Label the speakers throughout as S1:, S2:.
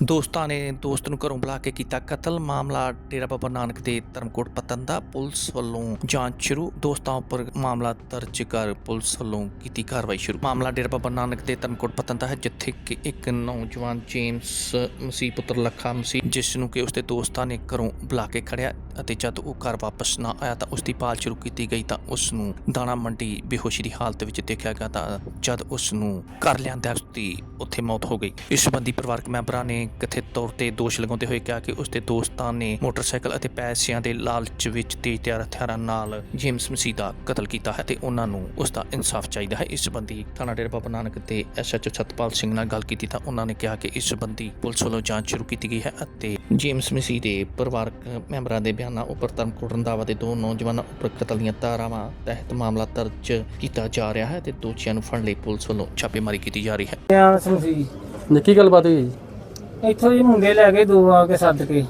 S1: ਦੋਸਤਾਂ ਨੇ ਦੋਸਤ ਨੂੰ ਘਰੋਂ ਬੁਲਾ ਕੇ ਕੀਤਾ ਕਤਲ। ਮਾਮਲਾ ਡੇਰਾ ਬਾਬਾ ਨਾਨਕ ਦੇ ਧਰਮਕੋਟ ਪੱਤਣ ਦਾ। ਪੁਲਿਸ ਵੱਲੋਂ ਜਾਂਚ ਸ਼ੁਰੂ। ਦੋਸਤਾਂ ਉੱਪਰ ਮਾਮਲਾ ਦਰਜ ਕਰ ਪੁਲਿਸ ਵੱਲੋਂ ਕੀਤੀ ਕਾਰਵਾਈ ਸ਼ੁਰੂ। ਮਾਮਲਾ ਡੇਰਾ ਬਾਬਾ ਨਾਨਕ ਦੇ ਧਰਮਕੋਟ ਪੱਤਣ ਦਾ ਹੈ, ਜਿੱਥੇ ਕਿ ਇੱਕ ਨੌਜਵਾਨ ਜੇਮਸ ਮਸੀਹ ਪੁੱਤਰ ਲੱਖਾ ਮਸੀਹ, ਜਿਸ ਨੂੰ ਕਿ ਉਸਦੇ ਦੋਸਤਾਂ ਨੇ ਘਰੋਂ ਬੁਲਾ ਕੇ ਖੜਿਆ ਅਤੇ ਜਦ ਉਹ ਘਰ ਵਾਪਸ ਨਾ ਆਇਆ ਤਾਂ ਉਸਦੀ ਭਾਲ ਸ਼ੁਰੂ ਕੀਤੀ ਗਈ ਤਾਂ ਉਸ ਨੂੰ ਦਾਣਾ ਮੰਡੀ ਬੇਹੋਸ਼ੀ ਦੀ ਹਾਲਤ ਵਿੱਚ ਦੇਖਿਆ ਗਿਆ ਤਾਂ ਜਦ ਉਸ ਨੂੰ ਘਰ ਲਿਆਂਦਾ ਉਸਦੀ ਉੱਥੇ ਮੌਤ ਹੋ ਗਈ। ਇਸ ਸੰਬੰਧੀ ਪਰਿਵਾਰਕ ਮੈਂਬਰਾਂ ਨੇ ਕਥਿਤ ਤੌਰ ਤੇ ਦੋਸ਼ ਲਗਾਉਂਦੇ ਹੋਏ ਕਿਹਾ ਕਿ ਉਸਦੇ ਦੋਸਤਾਂ ਨੇ ਮੋਟਰਸਾਈਕਲ ਅਤੇ ਪੈਸਿਆਂ ਦੇ ਲਾਲਚ ਵਿੱਚ ਤੇਜ਼ਧਾਰ ਹਥਿਆਰਾਂ ਨਾਲ ਜੇਮਸ ਮਸੀਹ ਦਾ ਕਤਲ ਕੀਤਾ ਹੈ ਤੇ ਉਹਨਾਂ ਨੂੰ ਉਸਦਾ ਇਨਸਾਫ ਚਾਹੀਦਾ ਹੈ। ਇਸ ਸੰਬੰਧੀ ਥਾਣਾ ਡੇਰਾ ਬਾਬਾ ਨਾਨਕ ਦੇ SHO ਸਤਪਾਲ ਸਿੰਘ ਨਾਲ ਗੱਲ ਕੀਤੀ ਤਾਂ ਉਹਨਾਂ ਨੇ ਕਿਹਾ ਕਿ ਇਸ ਸੰਬੰਧੀ ਪੁਲਿਸ ਵੱਲੋਂ ਜਾਂਚ ਸ਼ੁਰੂ ਕੀਤੀ ਗਈ ਹੈ ਅਤੇ ਜੇਮਸ ਮਸੀਹ ਦੇ ਪਰਿਵਾਰਕ ਮੈਂਬਰਾਂ ਦੇ ਬਿਆਨਾਂ ਉੱਪਰ ਧਰਮਕੋਟ ਰੰਧਾਵਾ ਦੇ ਦੋ ਨੌਜਵਾਨਾਂ ਉੱਪਰ ਕਤਲ ਦੀਆਂ ਧਾਰਾਵਾਂ ਤਹਿਤ ਮਾਮਲਾ ਦਰਜ ਕੀਤਾ ਜਾ ਰਿਹਾ ਹੈ ਤੇ ਦੋਸ਼ੀਆਂ ਨੂੰ ਫੜਨ ਲਈ ਪੁਲਿਸ ਵੱਲੋਂ ਛਾਪੇਮਾਰੀ ਕੀਤੀ ਜਾ ਰਹੀ ਹੈ।
S2: ਕੀ ਗੱਲਬਾਤ ਹੋਈ ਜੀ?
S3: ਇੱਥੋਂ ਹੀ ਮੁੰਡੇ ਲੈ ਕੇ ਦੋ ਆ ਕੇ ਸੱਦ ਕੇ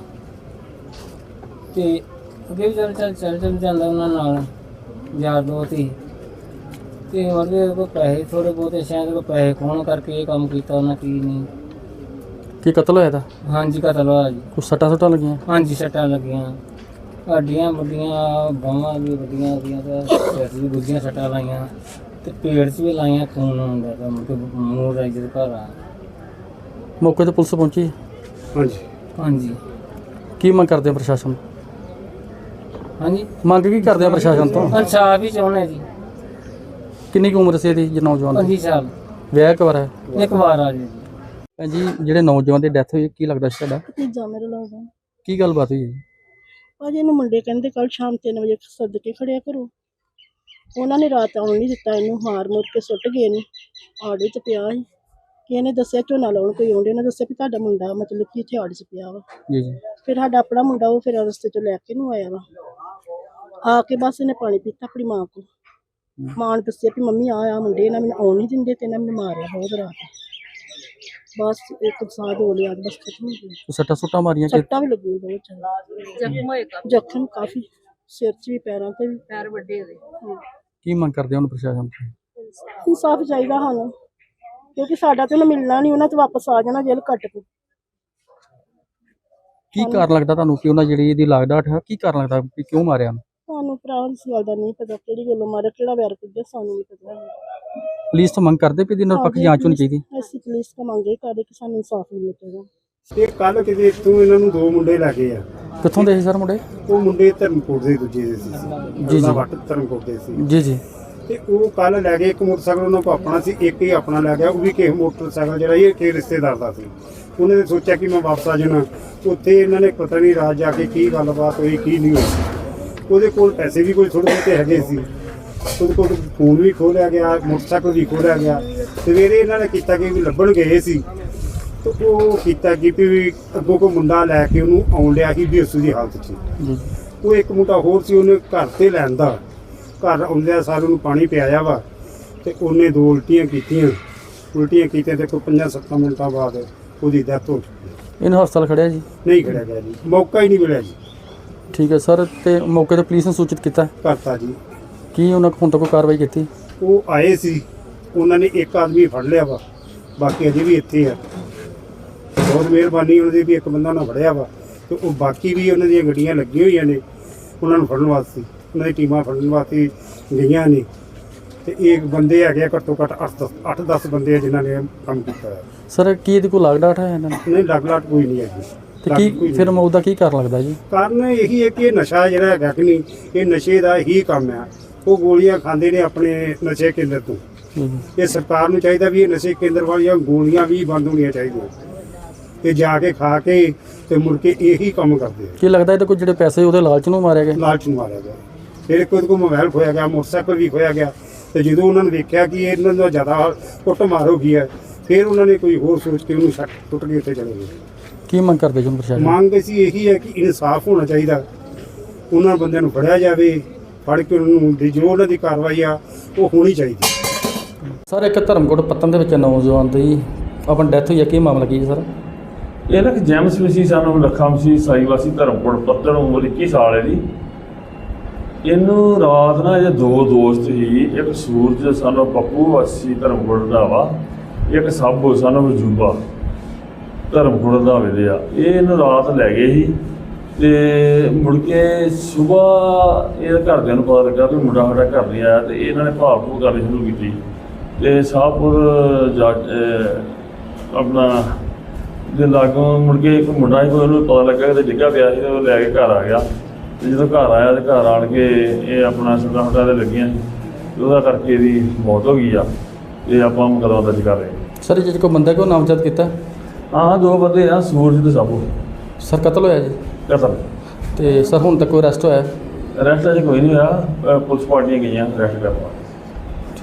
S3: ਤੇ ਅੱਗੇ ਵੀ ਚੱਲ ਜਾਂਦਾ ਉਹਨਾਂ ਨਾਲ ਯਾਰ ਦੋਸਤ ਹੀ ਤੇ ਉਹਦੇ ਕੋਲ ਪੈਸੇ ਥੋੜੇ ਬਹੁਤੇ ਸ਼ਾਇਦ ਕੋਈ ਪੈਸੇ ਖੋਣ ਕਰਕੇ ਇਹ ਕੰਮ ਕੀਤਾ ਉਹਨਾਂ ਕੀ ਨਹੀਂ।
S2: ਕੀ ਕਤਲ ਹੋਇਆ ਤਾਂ?
S3: ਹਾਂਜੀ ਕਤਲ ਹੋਇਆ ਜੀ।
S2: ਕੁਛ ਸੱਟਾਂ ਲੱਗੀਆਂ?
S3: ਹਾਂਜੀ ਸੱਟਾਂ ਲੱਗੀਆਂ, ਹੱਡੀਆਂ ਵੱਡੀਆਂ, ਬਾਹਾਂ ਵੀ ਵੱਡੀਆਂ ਉਹਦੀਆਂ ਤੇ ਸਿਰ ਵੀ ਦੂਜੀਆਂ ਸੱਟਾਂ ਲਾਈਆਂ ਤੇ ਪੇਟ 'ਚ ਵੀ ਲਾਈਆਂ, ਖੂਨ ਆਉਂਦਾ ਤਾਂ ਮੂੰਹ ਰਾਈ ਦੇ ਘਰ ਆ।
S2: ਮੌਕੇ ਤੇ ਪੁਲਿਸ ਪਹੁੰਚੀ?
S3: ਹਾਂਜੀ।
S2: ਕੀ ਮੰਗ ਕਰਦੇ ਆ ਪ੍ਰਸ਼ਾਸਨ?
S3: ਹਾਂਜੀ
S2: ਮੰਗ ਕੀ ਕਰਦੇ ਆ ਪ੍ਰਸ਼ਾਸਨ ਤੋਂ?
S3: ਇਨਸਾਫ ਹੀ ਚਾਹੁੰਦੇ ਜੀ।
S2: ਕਿੰਨੀ ਕੁ ਉਮਰ ਸੀ ਇਹਦੀ ਜੇ ਨੌਜਵਾਨ ਦੀ?
S3: 25 ਸਾਲ।
S2: ਵਿਆਹ ਇੱਕ ਵਾਰ ਹੈ?
S3: ਇੱਕ ਵਾਰ ਆ ਜੀ।
S2: ਭੈਣ ਜੀ, ਜਿਹੜੇ ਨੌਜਵਾਨ ਦੀ ਡੈਥ ਹੋਈ ਕੀ ਲੱਗਦਾ ਸੀ ਤੁਹਾਡਾ?
S4: ਭਤੀਜਾ ਮੇਰੇ ਲੱਗਦਾ।
S2: ਕੀ ਗੱਲਬਾਤ ਹੋਈ ਜੀ?
S4: ਭਾਜੀ ਇਹਨੂੰ ਮੁੰਡੇ ਕਹਿੰਦੇ ਕੱਲ ਸ਼ਾਮ 3 ਵਜੇ ਸੱਦ ਕੇ ਖੜਿਆ ਕਰੋ। ਉਹਨਾਂ ਨੇ ਰਾਤ ਆਉਣ ਨਹੀਂ ਦਿੱਤਾ, ਇਹਨੂੰ ਹਾਰ ਮੁੱਕ ਕੇ ਸੁੱਟ ਗਏ ਨੇ। ਆੜੇ 'ਚ ਪਿਆ ਸੀ ਕਿ ਇਹਨੇ ਦੱਸਿਆ ਝੋਨਾ ਲਾਉਣ ਕੋਈ ਆਉਂਦੇ, ਉਹਨੇ ਦੱਸਿਆ ਵੀ ਤੁਹਾਡਾ ਮੁੰਡਾ ਮਤਲਬ ਕਿ ਇੱਥੇ ਆੜੇ 'ਚ ਪਿਆ ਵਾ।
S2: ਜੀ।
S4: ਫਿਰ ਸਾਡਾ ਆਪਣਾ ਮੁੰਡਾ ਉਹ ਫਿਰ ਰਸਤੇ 'ਚੋਂ ਲੈ ਕੇ ਨੂੰ ਆਇਆ ਵਾ। ਆ ਕੇ ਬਸ ਇਹਨੇ ਪਾਣੀ ਪੀਤਾ ਆਪਣੀ ਮਾਂ ਕੋਲ। ਮਾਂ ਨੇ ਦੱਸਿਆ ਵੀ ਮੰਮੀ ਆ ਮੁੰਡੇ ਇਹਨਾਂ ਮੈਨੂੰ ਆਉਣ ਨਹੀਂ ਦਿੰਦੇ ਤੇ ਇਹਨਾਂ ਮੈਨੂੰ ਮਾਰਿਆ ਬਹੁਤ ਰਾਤ। ਬਸ ਇੱਕ ਸਾਹ ਹੋ ਲਿਆ, ਬਸ ਖਤਮ ਹੋ ਗਿਆ।
S2: ਸੱਟਾਂ ਮਾਰੀਆਂ?
S4: ਸੱਟਾਂ ਵੀ ਲੱਗੀਆਂ ਬਹੁਤ ਜ਼ਿਆਦਾ, ਜ਼ਖਮ ਕਾਫੀ ਸਿਰ 'ਚ ਵੀ, ਪੈਰਾਂ 'ਤੇ ਵੀ, ਪੈਰ ਵੱਡੇ ਹੋਏ।
S2: ਕੀ ਮੰਗ ਕਰਦੇ ਹੁਣ ਪ੍ਰਸ਼ਾਸਨ ਤੋਂ?
S4: ਇਨਸਾਫ ਚਾਹੀਦਾ ਸਾਨੂੰ, ਕਿਉਂਕਿ ਸਾਡਾ ਤੇ ਉਹਨੂੰ ਮਿਲਣਾ ਨਹੀਂ, ਉਹਨਾਂ 'ਚ ਵਾਪਸ ਆ ਜਾਣਾ ਜੇਲ੍ਹ ਕੱਟ ਕੇ।
S2: ਕੀ ਕਾਰਨ ਲੱਗਦਾ ਤੁਹਾਨੂੰ ਕਿ ਉਹਨਾਂ ਜਿਹੜੀ ਇਹਦੀ ਲਾਗਡਾਟ ਹੈ, ਕੀ ਕਾਰਨ ਲੱਗਦਾ ਕਿ ਕਿਉਂ ਮਾਰਿਆ?
S4: ਸਾਨੂੰ ਭਰਾ ਇਸ ਗੱਲ ਦਾ ਨਹੀਂ ਪਤਾ, ਕਿਹੜੀ ਗੱਲੋਂ ਮਾਰਿਆ, ਕਿਹੜਾ ਵੈਰ ਕੱਢਿਆ, ਸਾਨੂੰ ਨਹੀਂ ਪਤਾ।
S2: ਪੁਲਿਸ ਤੋਂ ਮੰਗ ਕਰਦੇ ਵੀ ਇਹਦੀ ਨਿਰਪੱਖ ਜਾਂਚ ਹੋਣੀ ਚਾਹੀਦੀ?
S4: ਅਸੀਂ ਪੁਲਿਸ ਤੋਂ ਮੰਗੇ ਕਰਦੇ ਕਿ ਸਾਨੂੰ ਇਨਸਾਫ ਮਿਲੇ ਚਾਹੀਦਾ।
S5: ਇਹ ਕੱਲ ਕਿਤੇ ਇੱਥੋਂ ਇਹਨਾਂ ਨੂੰ ਦੋ ਮੁੰਡੇ ਲੈ ਗਏ ਆ।
S2: ਕਿੱਥੋਂ ਦੇ ਸੀ ਸਰ ਮੁੰਡੇ?
S5: ਉਹ ਮੁੰਡੇ ਧਰਮਕੋਟ ਦੇ ਦੂਜੇ ਦੇ ਸੀ
S2: ਜੀ।
S5: ਵੱਟ ਧਰਮਕੋਟ ਦੇ ਸੀ
S2: ਜੀ।
S5: ਤੇ ਉਹ ਕੱਲ ਲੈ ਗਏ। ਇੱਕ ਮੋਟਰਸਾਈਕਲ ਉਹਨਾਂ ਕੋਲ ਆਪਣਾ ਸੀ, ਇੱਕ ਹੀ ਆਪਣਾ ਲੈ ਗਿਆ। ਉਹ ਵੀ ਕਿਸੇ ਮੋਟਰਸਾਈਕਲ ਜਿਹੜਾ ਇਹ ਕਿਸੇ ਰਿਸ਼ਤੇਦਾਰ ਦਾ ਸੀ। ਉਹਨੇ ਨੇ ਸੋਚਿਆ ਕਿ ਮੈਂ ਵਾਪਸ ਆ ਜਾਣਾ। ਉੱਥੇ ਇਹਨਾਂ ਨੇ ਪਤਾ ਨਹੀਂ ਰਾਤ ਜਾ ਕੇ ਕੀ ਗੱਲਬਾਤ ਹੋਈ ਕੀ ਨਹੀਂ ਹੋਈ। ਉਹਦੇ ਕੋਲ ਪੈਸੇ ਵੀ ਕੋਈ ਥੋੜ੍ਹੇ ਬਹੁਤੇ ਹੈਗੇ ਸੀ। ਉਹਦੇ ਕੋਲ ਫੋਨ ਵੀ ਖੋਲਿਆ ਗਿਆ, ਮੋਟਰਸਾਈਕਲ ਵੀ ਖੋਲਿਆ ਗਿਆ। ਸਵੇਰੇ ਇਹਨਾਂ ਨੇ ਕੀਤਾ ਕਿ ਵੀ ਲੱਭਣ ਗਏ ਸੀ ਤੇ ਉਹ ਕੀਤਾ ਕਿ ਵੀ ਅੱਗੋਂ ਕੋਈ ਮੁੰਡਾ ਲੈ ਕੇ ਉਹਨੂੰ ਆਉਣ ਲਿਆ ਸੀ ਬੇਹੋਸ਼ੀ ਦੀ ਹਾਲਤ 'ਚ। ਉਹ ਇੱਕ ਮੁੰਡਾ ਹੋਰ ਸੀ, ਉਹਨੇ ਘਰ ਤੇ ਲੈਂਦਾ। ਘਰ ਆਉਂਦਿਆਂ ਸਾਰ ਉਹਨੂੰ ਪਾਣੀ ਪਿਆਇਆ ਵਾ ਤੇ ਉਹਨੇ ਦੋ ਉਲਟੀਆਂ ਕੀਤੀਆਂ ਤੇ ਕੋਈ 5-7 ਮਿੰਟਾਂ ਬਾਅਦ ਉਹਦੀ ਡੈਥ ਹੋ ਗਈ।
S2: ਇਹਨੂੰ ਹਸਪਤਾਲ ਖੜਿਆ ਜੀ?
S5: ਨਹੀਂ ਖੜਿਆ ਗਿਆ ਜੀ, ਮੌਕਾ ਹੀ ਨਹੀਂ ਮਿਲਿਆ ਜੀ।
S2: ਠੀਕ ਹੈ ਸਰ, ਤੇ ਮੌਕੇ ਤੇ ਪੁਲਿਸ ਨੇ ਸੂਚਿਤ ਕੀਤਾ?
S5: ਕਰਤਾ ਜੀ।
S2: ਕੀ ਉਹਨਾਂ ਹੁਣ ਤੱਕ ਕੋਈ ਕਾਰਵਾਈ ਕੀਤੀ?
S5: ਉਹ ਆਏ ਸੀ, ਉਹਨਾਂ ਨੇ ਇੱਕ ਆਦਮੀ ਫੜ ਲਿਆ ਵਾ, ਬਾਕੀ ਅਜੇ ਵੀ ਇੱਥੇ ਆ। ਬਹੁਤ ਮਿਹਰਬਾਨੀ ਉਹਨਾਂ ਦੀ ਵੀ ਇੱਕ ਬੰਦਾ ਉਹਨਾਂ ਫੜਿਆ ਵਾ ਤੇ ਉਹ ਬਾਕੀ ਵੀ ਉਹਨਾਂ ਦੀਆਂ ਗੱਡੀਆਂ ਲੱਗੀਆਂ ਹੋਈਆਂ ਨੇ ਉਹਨਾਂ ਨੂੰ ਫੜਨ ਵਾਸਤੇ। ਉਹਨਾਂ ਦੀ ਟੀਮਾਂ ਫੜਨ ਵਾਸਤੇ ਗਈਆਂ ਨੇ ਤੇ ਇਹ ਬੰਦੇ ਹੈਗੇ ਆ ਘੱਟੋ ਘੱਟ 8-10 ਬੰਦੇ ਆ ਜਿਨ੍ਹਾਂ ਨੇ ਕੰਮ ਕੀਤਾ ਹੈ।
S2: ਸਰ ਕੀ ਇਹਦੇ ਕੋਲ ਲਾਗਡਾਟ ਹੈ ਇਹਨਾਂ ਨੂੰ?
S5: ਨਹੀਂ, ਲੱਗ ਕੋਈ ਨਹੀਂ ਹੈਗੀ।
S2: ਤੇ ਕੀ ਫਿਰ ਮੌਤ ਦਾ ਕੀ ਕਾਰਨ ਲੱਗਦਾ ਜੀ?
S5: ਕਾਰਨ ਇਹੀ ਹੈ ਕਿ ਇਹ ਨਸ਼ਾ ਜਿਹੜਾ ਹੈਗਾ ਕਿ ਨਹੀਂ, ਇਹ ਨਸ਼ੇ ਦਾ ਹੀ ਕੰਮ ਆ। ਉਹ ਗੋਲੀਆਂ ਖਾਂਦੇ ਨੇ ਆਪਣੇ ਨਸ਼ੇ ਕੇਂਦਰ ਤੋਂ। ਇਹ ਸਰਕਾਰ ਨੂੰ ਚਾਹੀਦਾ ਵੀ ਇਹ ਨਸ਼ੇ ਕੇਂਦਰ ਵਾਲੀਆਂ ਗੋਲੀਆਂ ਵੀ ਬੰਦ ਹੋਣੀਆਂ ਚਾਹੀਦੀਆਂ। ਤੇ ਜਾ ਕੇ ਖਾ ਕੇ ਤੇ ਮੁੜ ਕੇ ਇਹੀ ਕੰਮ ਕਰਦੇ ਆ।
S2: ਕੀ ਲੱਗਦਾ ਇਹਦੇ ਕੋਲ ਜਿਹੜੇ ਪੈਸੇ ਉਹਦੇ ਲਾਲਚ ਨੂੰ ਮਾਰਿਆ ਗਿਆ?
S5: ਲਾਲਚ ਨੂੰ ਮਾਰਿਆ ਗਿਆ। ਫਿਰ ਕੋਈ ਮੋਬਾਈਲ ਖੋਇਆ ਗਿਆ, ਮੋਟਰਸਾਈਕਲ ਵੀ ਖੋਇਆ ਗਿਆ। ਤੇ ਜਦੋਂ ਉਹਨਾਂ ਨੇ ਵੇਖਿਆ ਕਿ ਇਹਨਾਂ ਦਾ ਜ਼ਿਆਦਾ ਕੁੱਟ ਮਾਰ ਹੋ ਗਈ ਹੈ, ਫਿਰ ਉਹਨਾਂ ਨੇ ਕੋਈ ਹੋਰ ਸੋਚ ਕੇ ਉਹਨੂੰ ਛੱਡ ਟੁੱਟ ਕੇ ਉੱਤੇ ਚਲੇ ਗਏ।
S2: ਕੀ ਮੰਗ ਕਰਦੇ ਜੀ ਪ੍ਰਸ਼ਾਸਨ?
S5: ਮੰਗ ਅਸੀਂ ਇਹੀ ਹੈ ਕਿ ਇਨਸਾਫ ਹੋਣਾ ਚਾਹੀਦਾ। ਉਹਨਾਂ ਬੰਦਿਆਂ ਨੂੰ ਫੜਿਆ ਜਾਵੇ, ਫੜ ਕੇ ਉਹਨਾਂ ਨੂੰ ਜੋ ਉਹਨਾਂ ਦੀ ਕਾਰਵਾਈ ਆ ਉਹ ਹੋਣੀ ਚਾਹੀਦੀ।
S2: ਸਰ ਇੱਕ ਧਰਮਕੋਟ ਪੱਤਣ ਦੇ ਵਿੱਚ ਨੌਜਵਾਨ ਦੀ ਆਪਣੀ ਡੈਥ ਹੋਈ ਹੈ, ਕੀ ਮਾਮਲਾ ਕੀ ਹੈ ਸਰ?
S6: ਇਹ ਨਾ ਕਿ ਜੇਮਸ ਮਸੀਹ ਸਾਨੂੰ ਲੱਖਾ ਮਸੀਹ ਸਾਈਵਾਸੀ ਧਰਮਕੋਟ ਪੱਤਣ, ਉਮਰ 21 ਸਾਲ ਹੈ ਜੀ। ਇਹਨੂੰ ਰਾਤ ਨਾ ਇਹ ਦੋ ਦੋਸਤ ਸੀ, ਇੱਕ ਸੂਰਜ ਸਾਨੂੰ ਪੱਪੂ ਵਾਸੀ ਧਰਮਕੋਟ ਦਾ ਵਾ, ਇੱਕ ਸਾਬੋ ਸਾਨੂੰ ਵਜੂਬਾ। ਧਰਮਕੋਟ ਰੰਧਾਵੇ ਦੇ ਆ। ਇਹ ਇਹਨੂੰ ਰਾਤ ਲੈ ਗਏ ਸੀ ਤੇ ਮੁੜ ਕੇ ਸਵੇਰ ਇਹ ਘਰਦਿਆਂ ਨੂੰ ਪਤਾ ਲੱਗਾ ਵੀ ਮੁੰਡਾ ਸਾਡਾ ਘਰ ਨਹੀਂ ਆਇਆ ਤੇ ਇਹਨਾਂ ਨੇ ਭਾਲ ਭੂਲ ਕਰਨੀ ਸ਼ੁਰੂ ਕੀਤੀ ਤੇ ਸ਼ਾਹਪੁਰ ਜਾ ਆਪਣਾ ਦੇ ਲਾਗੋਂ ਮੁੜ ਕੇ ਇੱਕ ਮੁੰਡਾ ਸੀ, ਉਹਨੂੰ ਪਤਾ ਲੱਗਾ ਕਿ ਡਿੱਗਾ ਪਿਆ ਸੀ ਤੇ ਉਹ ਲੈ ਕੇ ਘਰ ਆ ਗਿਆ ਤੇ ਜਦੋਂ ਘਰ ਆਇਆ ਤੇ ਘਰ ਆਣ ਕੇ ਇਹ ਆਪਣਾ ਸੁੱਟਾਂ ਦੇ ਲੱਗੀਆਂ ਸੀ ਤੇ ਉਹਦਾ ਕਰਕੇ ਇਹਦੀ ਮੌਤ ਹੋ ਗਈ ਆ। ਇਹ ਆਪਾਂ ਮੁਕੱਦਮਾ ਦਰਜ ਕਰ ਰਹੇ ਹਾਂ।
S2: ਸਰ ਜਿਹੜੇ ਕੋ ਬੰਦਾ ਕੋ ਨਾਮਜ਼ਦ ਕੀਤਾ?
S6: ਹਾਂ 2 ਬੰਦੇ ਆ, ਸੂਰਜ ਤੇ ਸਾਬੂ।
S2: ਸਰ ਕਤਲ ਹੋਇਆ ਜੀ?
S6: ਕਤਲ।
S2: ਤੇ ਸਰ ਹੁਣ ਤੱਕ ਕੋਈ ਅਰੈਸਟ ਹੋਇਆ?
S6: ਅਰੈਸਟ ਅਜੇ ਕੋਈ ਨਹੀਂ ਹੋਇਆ, ਪੁਲਿਸ ਪਾਰਟੀਆਂ ਗਈਆਂ ਅਰੈਸਟ ਕਰਨ ਵਾਸਤੇ।